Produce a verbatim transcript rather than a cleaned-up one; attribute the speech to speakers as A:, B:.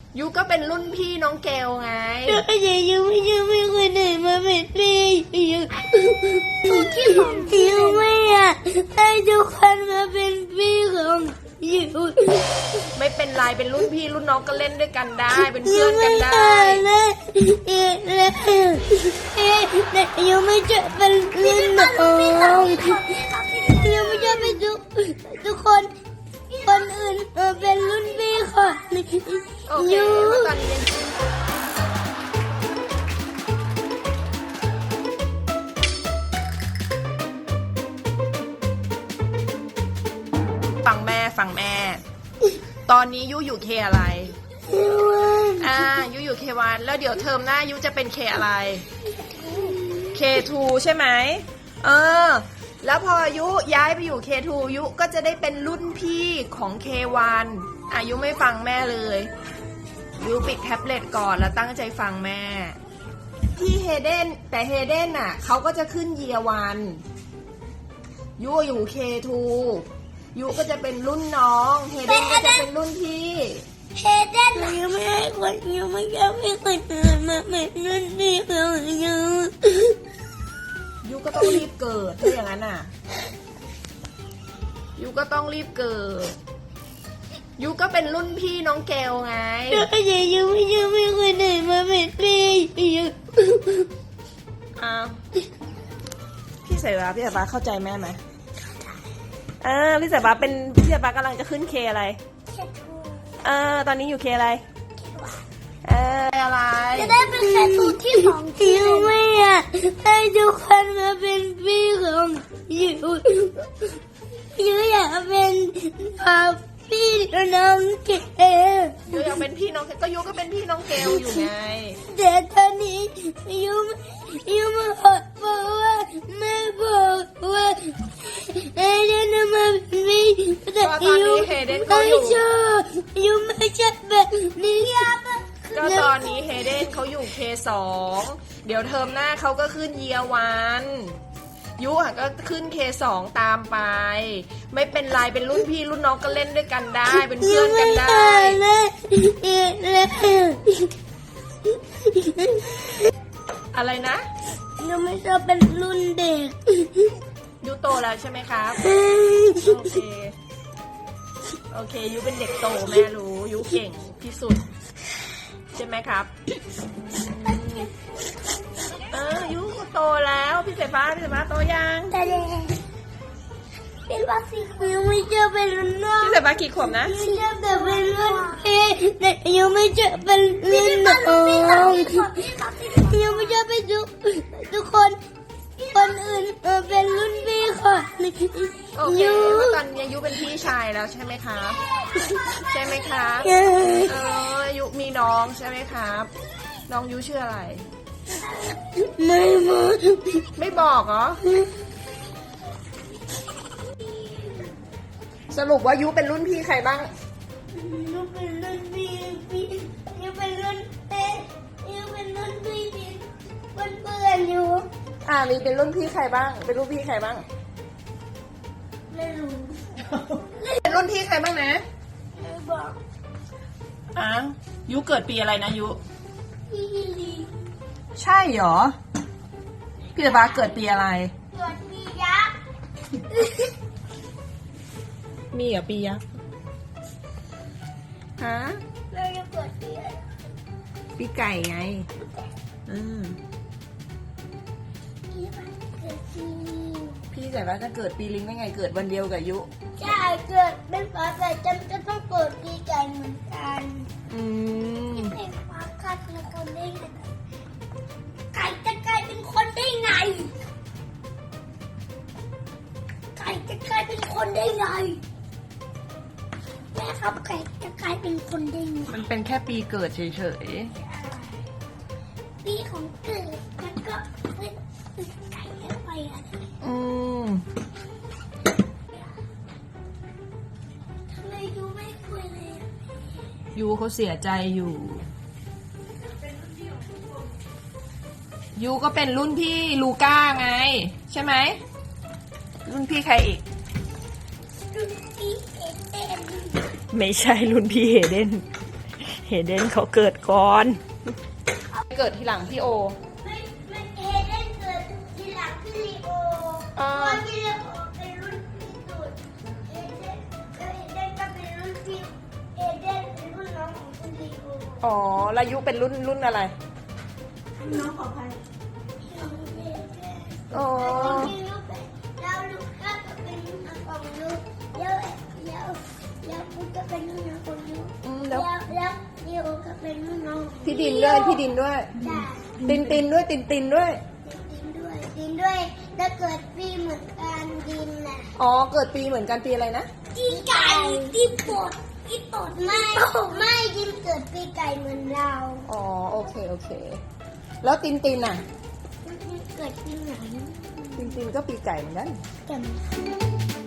A: ยูก็เป็นรุ่นพี่น้องเกลไง
B: แต่ยูไม่ยูไม่เคยไหนมาเป็นพี่ยูที่ของยูไม่อยากให้ทุกคนมาเป็นพี่ของยู
A: ไม่เป็นไรเป็นรุ่นพี่รุ่นน้องก็เล่นด้วยกันได้เป็นเพื่อนกันได้
B: แต่ยูไม่จะเป็นรุ่นน้องยูไม่จะเป็นทุกทุกคนคนอื่นเป็นรุ่นพี่ค่ะ
A: ยูเมื่อตอนนี้ฟังแม่ฟังแม่ตอนนี้ยูอยู่เคอะไรอ่ายูอยู่เควันแล้วเดี๋ยวเทอมหน้ายูจะเป็นเคอะไรเคทูใช่ไหมเออแล้วพอยุย้ายไปอยู่ เค ทู ยุก็จะได้เป็นรุ่นพี่ของ เค วัน อายุไม่ฟังแม่เลยยุปิดแท็บเล็ตก่อนแล้วตั้งใจฟังแม่พี่เฮเดนแต่เฮเดนน่ะเขาก็จะขึ้นเยียวันยุอยู่ เค ทู ยุก็จะเป็นรุ่นน้องเฮเดนก็จะเป็นรุ่นพี่
B: เฮเดนยังไม่ให้คนยังไม่ยังไม่เคยเกิดมาเป็นรุ่นพี่ของยู
A: ยูก็ต้องรีบเกิดถ้าอย่างนั้นน่ะยูก็ต้องรีบเกิดยูก็เป็นรุ่นพี่น้องเกลไง
B: แต่ยูไม่ยูไม่เคยไหนมาเป็นพี่ยู
A: อ้าวพี่สายฟ้าพี่สายฟ้าเข้าใจแม่ไหมเออพี่สายฟ้าเป็นพี่สายฟ้ากำลังจะขึ้นเคอะไรเออตอนนี้อยู่เคอะไรเอออะไร
B: จะได้เป็นแค่สูตรที่สองยูไม่อยากให้ทุกคนมาเป็นพี่ของยูยูอยากเป็นพี่น้องเกล
A: ยูอยากเป็นพี่น้องเกลก็ยูก็เป็นพี่น้องเกลอยู่ไง
B: แต่ตอนนี้ยูยูมาบอกว่าแม่บอกว่าเอเดนมาเป็นพี่แต่ยูไม่ชอบยูไม่ชอบแบบนี้
A: ก็ตอนนี้เฮเดนเขาอยู่ เค สอง เดี๋ยวเทอมหน้าเขาก็ขึ้นเยียวันยุอ่ะก็ขึ้น เค สอง ตามไปไม่เป็นไรเป็นรุ่นพี่รุ่นน้องก็เล่นด้วยกันได้เป็นเพื่อนกันได้อะไรนะ
B: ยูไม่ชอบเป็นรุ่นเด็ก
A: ยุโตแล้วใช่ไหมครับโอเคโอเคยุเป็นเด็กโตแม่รู้ยุเก่งที่สุดใช่ไหมครับเออยุโตแล้วพี่สายฟ้าพี่สายฟ้าโตยัง
B: แต่เด็กเป็นวัคซีนยูไม่เจอเป็นรุ่นน้อง
A: พี่สายฟ้ากี่ขวบนะ
B: ยูเจอแต่เป็นรุ่นพี่แต่ยูไม่เจอเป็นรุ่นน้องยูไม่เจอเป็นทุกทุกคนคนอื่นเป็นรุ่นพี่ค่ะ
A: โอเคตอนนี้ยุเป็นพี่ชายแล้วใช่ไหมครับใช่ไหมครับเออยุมีน้องใช่ไหมครับน้องยุชื่ออะไร
B: ไม่บอก
A: ไม่บอกเหรอสรุปว่ายุเป็นรุ่นพี่ใครบ้าง
B: ยุเป็นรุ่นพี่พี่ยุเป็นรุ่นเต้ยุเป็นรุ่นพี่เพื่อนเพื่อนยุ
A: อ่ามีเป็นรุ่นพี่ใครบ้างเป็นรุ่นพี่ใครบ้าง
B: ไม่รู้
A: เป็นรุ่นพี่ใครบ้างนะ
B: ไม่บอก
A: อ่ะยุเกิดปีอะไรนะยุ
B: พี่ลี
A: ใช่เหรอพี่ตาบาเกิดปีอะไร
B: เกิดปียักษ์
A: มีเหรอปียักษ์ฮะ
B: เราจะเกิดปีอะไร
A: ปีไก่ไงอืมพี่แต่ว่าจะเกิดปีลิงได้ไงเกิดวันเดียวกับยุ
B: ใช่เกิดเป็นฝาแฝดจำจะต้องเกิดปีไก่เหมือนกัน
A: อืม
B: ที่เป็นฝาคัดแล้วก็ได้ไงไก่จะกลายเป็นคนได้ไงไก่จะกลายเป็นคนได้ไงแม่ครับไก่จะกลายเป็นคนได้ไง
A: มันเป็นแค่ปีเกิดเฉย
B: ๆปีของเกิดมันก็เป็นไก่แค่ไปอะไร
A: อืม
B: ทำไมยูไม่คุยเลย
A: ยูเขาเสียใจอยู่ยูก็เป็นรุ่นพี่ลูก้าไงใช่ไหมรุ่นพี่ใครอีก
B: รุ่นพี่เฮเดน
A: ไม่ใช่รุ่นพี่เฮเดนเฮเดนเขาเกิดก่อน เกิดทีหลังพี่โอ
B: ไม่ไม่เอเดนเกิดทีหลังพี่ลีโอ
A: อ่า
B: เพราะพี่ลีโอเป็นรุ่นพี่สุดเอเดนเอเดนก็เป็นรุ่นพี่เอเดนเป็นรุ่นน้องของพี่ลีโอ
A: อ๋อแล้วยุเป็นรุ่นรุ่นอะไร
B: น้องของใคร
A: อ๋อ
B: แล้วลูกก็เป็นรุ่นน้องของลูกแล้วแล้วแล้วกูก็เป็นรุ่นน้องของลูก
A: อืม
B: แล้
A: แล้ว ว
B: แล้วลีโอก็เป็นรุ่นน้องของ
A: พี่ดินด้วยพี่ดินด้วย
B: จ้ะ
A: ตินตินด้วยตินตินด้วย
B: ดินด้วยดินด้วยแล้วเกิดปีเหมือนกันดินน่ะ
A: อ๋อเกิดปีเหมือนกันปีอะไรนะ
B: ปีไก่ปีปดปีปดไม่ไม่ดินเกิดปีไก่เหมือนเรา
A: อ๋อโอเคโอเค แล้วตินตินอ่ะ
B: ดินเกิดปีไหน
A: ตินตินก็ปีไก่เหมือนกัน
B: จำ